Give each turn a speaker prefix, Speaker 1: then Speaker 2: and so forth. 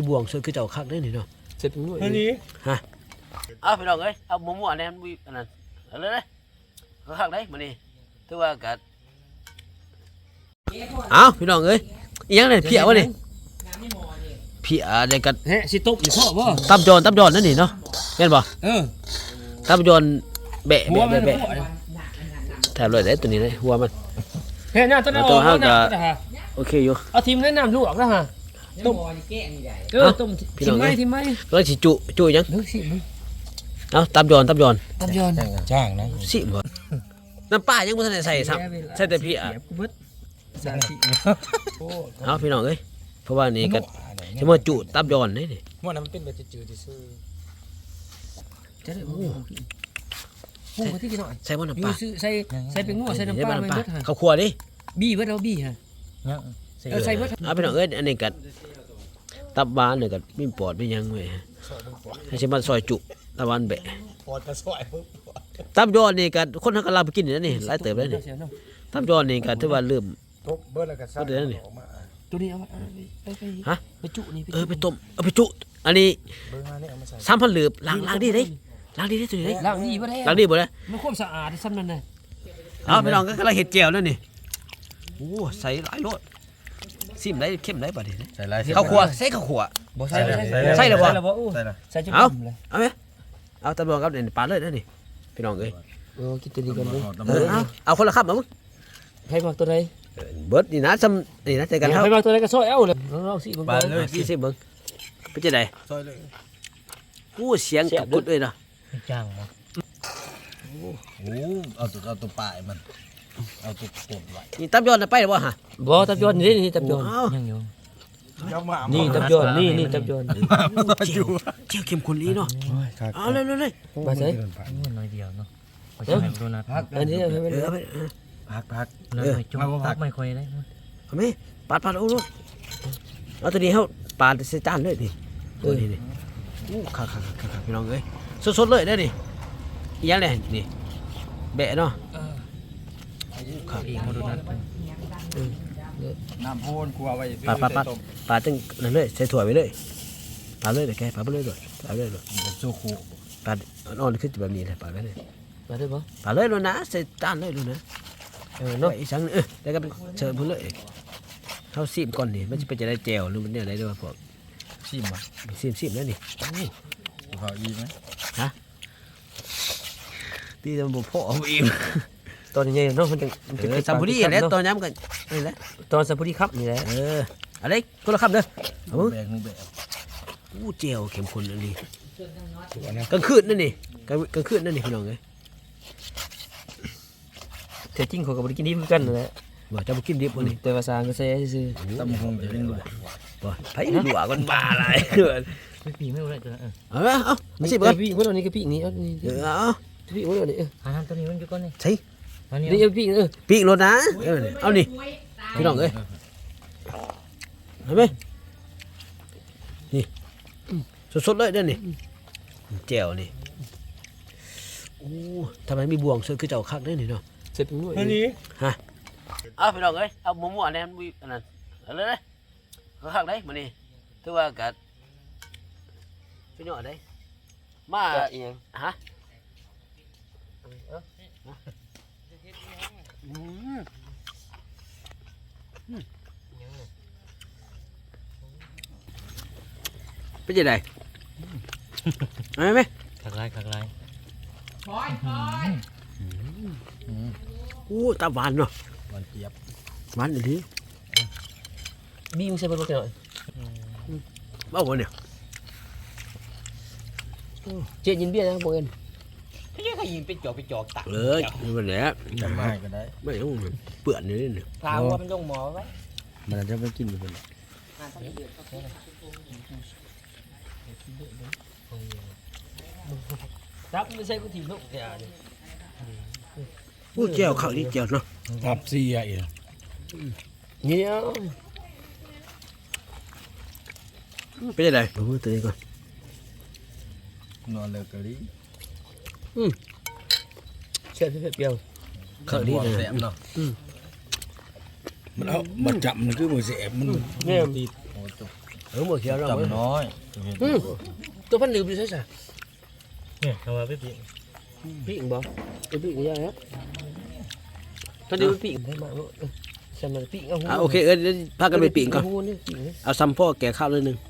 Speaker 1: บ่วงช่วยคือเจ้าคักได้นี่เนาะเสร็จเป็นหน่วยนี่ฮะเอาพี่น้องเอ้ยเอามั่วๆแน่นวิอันนั้นเอาเลยคักได้มื้อนี้ถือว่าก็เอาพี่น้องเอ้ยอีหยังเนี่ยเพียวะนี่เพียได้กัน
Speaker 2: เฮ้สิตบอยู่พ่อบ่
Speaker 1: ตับยอนนั่นนี่เนาะแม่นบ่ตับยอนแบะแถบเลยได้ตัวนี้เลยหัวมัน
Speaker 2: เฮ้ยน่าตัวนั้น
Speaker 1: ตัวห้าก็โอเคอยู่
Speaker 2: เอาทีมแนะนำลูกออกแล้วฮะต้มต้มทีมไหม
Speaker 1: แล้วสิจุยัง
Speaker 2: นึกสิ
Speaker 1: เอาตับยอน
Speaker 2: จ้างนะ
Speaker 1: สิบ่น้ำปลายังบ่ทันได้ใส่ซ้ำใส่แต่เพียเอาพี่น้องเอ้ยเพราะว่านี่ก็จะมาจุตับยอนนี่
Speaker 2: มันนั้นมันเป็นแบบจืดๆซื่อจะได้โอ้ที่กินหน่อย
Speaker 1: ใส่บ่น้ำปลา
Speaker 2: ใส่เป็นงัวใส่น้ำปลาไม่เบิดฮะ
Speaker 1: ข้าวคั่วดิ
Speaker 2: บี้เบิดเอาบี้ฮะใส่เบิด
Speaker 1: เอาพี่น้องเอ้ยอันนี้ก็ตับหวานเนี่ยก็มีปอดมีหยังไว้ให้สิมาซอยจุตับหวานแบะ
Speaker 2: ปอดก็ซอย
Speaker 1: ตับยอนนี่ก็คนเฮาก็ลาไปกินนี่หลายเติบแล้วนี่ตับยอนนี่ก็ถือว่าเริ่ม
Speaker 2: เบิดแล้วก็ซักตัวนี้เอา
Speaker 1: ฮะ
Speaker 2: ไปจุนี่
Speaker 1: ไปต้มเอาไปจุอันนี้3,000หลืบล้างดีเด้ล้างดีตัวนี้เด้
Speaker 2: ล้างดีบ่ได้
Speaker 1: ล้างดีบ่ได้
Speaker 2: มันความสะอาดซ้ำนั่นน่ะ
Speaker 1: เอาพี่น้องก็กำลังเฮ็ดแจ่วแล้วนี่โอ้ใส่หลายโลดซิมได้เข้มได้บัดนี้
Speaker 3: ใส่หลาย
Speaker 1: ข้าวคั่วใส่ข้าวคั่ว
Speaker 2: บ่ใส่
Speaker 1: แล้วบ่
Speaker 2: ใส่แล้ว
Speaker 1: ใส่เอามั้ยเอาตะบองกับนี่ปาเลยนี่พี่น้องเอ้ย
Speaker 2: กินตัวนี้ก่อนเด้
Speaker 1: อเอาคนละคำเอามึง
Speaker 2: ให้มาตัวใด
Speaker 1: เบิดนี่นะซ้ำนี่นะใจกันเฮา
Speaker 2: ให้มาตัวใดก็ซอยเอาเลยลองสิเบิ่ง
Speaker 1: เลยสิเบิ่งเป็นจังได๋
Speaker 3: ซอยเลย
Speaker 1: กูเสียงกุดเลยนะ
Speaker 2: จ้างบ่
Speaker 3: โอ้เอาตัวปลายมันเอาตัวกดไว้
Speaker 1: นี่ตับยอนไปบ่ฮะ
Speaker 2: บ่ตับยอนนี่ตับยอนยังอยู่นี่ตับยอนนี่ตับยอน
Speaker 1: เจียวเข้มข้นอีเนาะเอาเลย
Speaker 2: มาใส่
Speaker 4: น้อยเดียวเนาะขอจะให้โดนัท
Speaker 2: อันนี้ให้มัน
Speaker 3: พัก
Speaker 4: จุ่มพักไม่ค่อยได้
Speaker 1: เอามั้ยปาดเอาลูกเอาตัวนี้เฮาปาดใส่จานเลยนี่นี่อู้คักพี่น้องเอ้ยสดๆเลยเด้อนี่อีหยังแหละนี่แบะเนาะ
Speaker 4: ครับอีกโดนัท
Speaker 3: น้ำโพนกลัวไว้
Speaker 1: ปาดจังนั่นเลยใส่ถั่วไว้เลยปาดเลยเดี๋ยวแกปาดไปเลยด้วยปาดเลยด้วย
Speaker 3: โซคู
Speaker 1: ปาดอ่อนขึ้นแบบนี้เลยปาดไปเลย
Speaker 2: ปาดได้บ่
Speaker 1: ปาดเลยแล้วนะใส่จานเลยดูนะเนาะอีสังแล้วก็เชิญพุ่นเลยเขาซีมก่อนนี่มันจะเป็นจะได้แจ่วหรือมันเนี่ยอะไรด้วยพวก
Speaker 3: ซีมอ่ะ
Speaker 1: ซีมแล้วนี่
Speaker 3: พออีไหม
Speaker 1: ฮะตีมันบุพออีม
Speaker 2: ตอนนี้เนาะมันจะ
Speaker 1: สัมพุรีแล้วตอนย้ำกันนี่แหละ
Speaker 2: ตอนสัมพุรีครับนี่แหละ
Speaker 1: อะไรคนละคำเด้อ
Speaker 3: แบก
Speaker 1: อู้เจียวเข้มข้นอันนี้กลางคืนนั่นนี่กลางคืนนั่นนี่พี่น้องเลย
Speaker 2: แต่จริงเขาก็บ่ได้กินดิบกันนั่นแหละ
Speaker 1: ว่าจะบ่กินดิบบ่นี่
Speaker 2: แต่ว่าสร้างก็แซ่ซื่อ
Speaker 3: ตำหงจะเป็นหลว
Speaker 1: บ่ไผหลวกันบ้าอะไร
Speaker 4: ไม่ปีไม่รู้เลยตัว
Speaker 1: เอาไม่ใช่เบิ่ง
Speaker 2: พี่คนนี้ก็พี่นี่เอานี่
Speaker 1: เอา
Speaker 2: พี่คนนี้
Speaker 4: ทำตัวนี้มันอยู่ก่อนนี่
Speaker 1: ใช่
Speaker 2: นี่เอาพี่
Speaker 1: ปีกรถนะเอานี่พี่น้องเอ้ยเห็นไหมนี่สดๆเลยเด้อนี่แจ่วนี่โอ้ทำไมมีบ่วงช่วยคือเจ้าคักได้นี่เนาะ
Speaker 2: เสร็จเป็นหน่วย
Speaker 1: นี่ฮะเอาพี่น้องเอ้ยเอามั่วๆแน่นวิอันนั้นเอาเลยคักได้มื้อนี้ถือว่าก็พี่น้องได้มาอีหยังฮะเป็นยังไงไหม
Speaker 4: ขักไล่
Speaker 1: โอ้ตาหวานเนาะ
Speaker 3: หวานเจี๊ยบ
Speaker 1: หวานอันนี้
Speaker 2: บี้มึงใส่บนรถหน่อย
Speaker 1: บ้าบ่เนี่ย
Speaker 2: เจี๊ยยินเบี้ยนะพวกเอ็น
Speaker 4: พี่ยังขยิงไปจอกตัก
Speaker 1: เลยมันแหละ
Speaker 3: จำได้ก็ได้
Speaker 1: ไม่ต้องเปื่อนนี่เนี่ย
Speaker 4: พาว่ามันลงหมอไว้
Speaker 3: มันจะไม่กินอยู่บน
Speaker 2: รับไม่ใช่กูถีบลูกแกนี่
Speaker 1: ผู้เจ้าเขาดีเจ้าเนาะ
Speaker 3: ทับซีอ่ะ
Speaker 2: เนี่ย
Speaker 1: เป็นยังไงผมพูดตัวนี้ก่อน
Speaker 3: นอนเลยกะลิ
Speaker 2: เชื่อเปรี้ยว
Speaker 1: เขาดีเลย
Speaker 3: เนาะมันเอามันจับมันคือมือเสียบมัน
Speaker 2: เนี่ย
Speaker 3: ตี
Speaker 1: บ่เขียวเรา
Speaker 3: จำน้อย
Speaker 1: ตัวพันดื่มอยู่ใช่จ้ะ
Speaker 4: เนี่ยทำมาไปปี
Speaker 1: พี่อิงบ่ตัวพี่อิงยังครับพันดื่มพี่อิงได้มาใช่มันพี่อิงเอาโอเคเดี๋ยวพากันไปปีกก่อนเอาซ้ำพ่อแก่ข้าวเลยนึง